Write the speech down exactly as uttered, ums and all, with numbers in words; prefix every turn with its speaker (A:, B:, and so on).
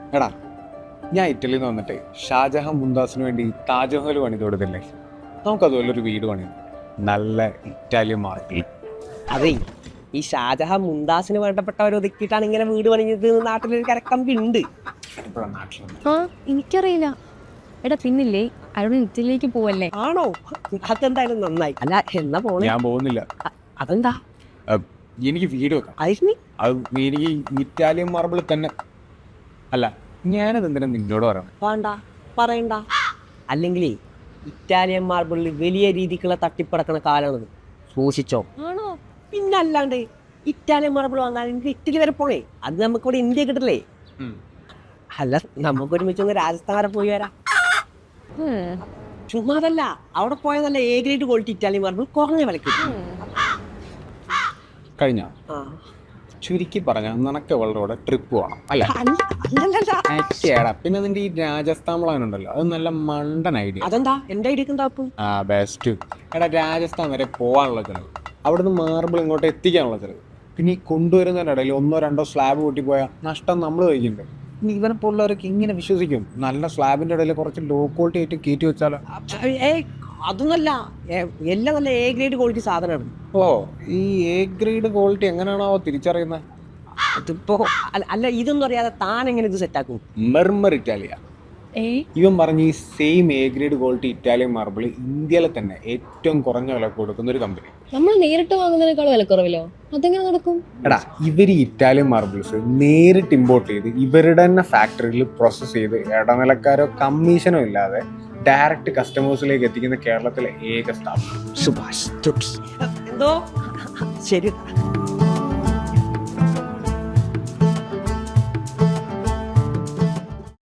A: എടാ, ഞാൻ ഇറ്റലിയിൽ നിന്ന് വന്നിട്ട് ഷാജഹാൻ മുംതാസിന് വേണ്ടി താജ്മഹൽ പണിത് കൊടുത്തില്ലേ? നമുക്കതുപോലെ ഒരു വീട് പണിയും, നല്ല ഇറ്റാലിയൻ മാർബിൾ.
B: അതെ, ഈ ഷാജഹാൻ മുംതാസിന് വേണ്ടപ്പെട്ടവർ ഒതുക്കിയിട്ടാണ് ഇങ്ങനെ വീട് പണിഞ്ഞത്. നാട്ടിലൊരു കരക്കമ്പി ഉണ്ട്.
C: ആ എനിക്കറിയില്ല. എടാ പിന്നില്ലേ അവിടെ ഇറ്റലിയിലേക്ക് പോവല്ലേ?
B: ആണോ? അതെന്തായാലും നന്നായി. അല്ല എന്നാ പോണേ?
A: ഞാൻ പോകുന്നില്ല.
B: അതെന്താ?
A: എനിക്ക് വീട് വെക്കാം.
B: അതിന്
A: അത് എനിക്ക് ഇറ്റാലിയൻ മാർബിൾ തന്നെ. അല്ല, ഞാനത് എന്തിനാ നിന്നോട് പറയണം?
B: വേണ്ട, പറയണ്ട. അല്ലെങ്കിലേ ഇറ്റാലിയൻ മാർബിളിൽ വലിയ രീതിക്കുള്ള തട്ടിപ്പടക്കണ കാലമാണത്. സൂക്ഷിച്ചോ.
C: ആണോ?
B: പിന്നല്ലാണ്ട് ഇറ്റാലിയൻ മാർബിൾ വാങ്ങാൻ എനിക്ക് ഇറ്റലി വരെ പോണേ. അത് നമുക്കിവിടെ ഇന്ത്യ കിട്ടില്ലേ? അല്ല, നമുക്ക് ഒരുമിച്ച് ഒന്ന് രാജസ്ഥാൻ വരെ പോയി വരാം. ചുമ്മാ അതല്ല, അവിടെ പോയാൽ നല്ല A grade quality Italian marble കുറഞ്ഞ വിലക്ക്
A: കഴിഞ്ഞ
B: ആ
A: ചുരുക്കി പറഞ്ഞാൽ നിനക്ക് അവളുടെ ട്രിപ്പ് പോകണം അല്ലേ?
B: അല്ലല്ലല്ല.
A: പിന്നെ അതിന്റെ ഈ രാജസ്ഥാൻ പ്ലാൻ ഉണ്ടല്ലോ, അത് നല്ല മണ്ടൻ ഐഡിയ.
B: അതെന്താ എന്റെ ഐഡിയ എന്താക്കും?
A: ആ ബെസ്റ്റ്. എടാ, രാജസ്ഥാൻ വരെ പോകാനുള്ള ചിലവ്, അവിടുന്ന് മാർബിൾ ഇങ്ങോട്ട് എത്തിക്കാനുള്ള ചിലവ്, പിന്നെ ഈ കൊണ്ടുവരുന്നതിൻ്റെ ഇടയിൽ ഒന്നോ രണ്ടോ സ്ലാബ് പൊട്ടിപ്പോയാൽ നഷ്ടം നമ്മൾ കഴിക്കുന്നുണ്ട്. ഇനി ഇവനെ പോലുള്ളവരൊക്കെ ഇങ്ങനെ വിശ്വസിക്കും നല്ല സ്ലാബിന്റെ ഇടയിൽ കുറച്ച് ലോ ക്വാളിറ്റി ആയിട്ട് കയറ്റി വെച്ചാലോ?
B: ഏയ് അതൊന്നല്ല, എല്ലാം നല്ല എ ഗ്രേഡ് ക്വാളിറ്റി സാധനമാണ്.
A: ഓ, ഈ എ ഗ്രേഡ് ക്വാളിറ്റി എങ്ങനെയാണോ തിരിച്ചറിയുന്നത്?
B: അതിപ്പോ അല്ല, ഇതൊന്നും അറിയാതെ താൻ എങ്ങനെ ഇത് സെറ്റാക്കും?
A: Murmur Italia. ഇവൻ പറഞ്ഞ ഈ same A grade quality Italian marble ഇന്ത്യയിലെ തന്നെ ഏറ്റവും കുറഞ്ഞ വില കൊടുക്കുന്ന ഒരു കമ്പനി.
C: നമ്മൾ നേരിട്ട് വാങ്ങുന്നതിനേക്കാൾ വിലക്കുറവിലോ? അതെങ്ങനെ നടക്കും?
A: എടാ, ഇവർ ഇറ്റാലിയൻ മാർബിൾസ് നേരിട്ട് ഇമ്പോർട്ട് ചെയ്ത് ഇവരുടെ തന്നെ ഫാക്ടറിയിൽ പ്രോസസ്സ് ചെയ്ത് ഇടനിലക്കാരോ കമ്മീഷനോ ഇല്ലാതെ ഡയറക്റ്റ് കസ്റ്റമേഴ്സിലേക്ക് എത്തിക്കുന്ന കേരളത്തിലെ ഏക സ്ഥാപനം.
B: സുഭാഷ് എന്തോ ശരി.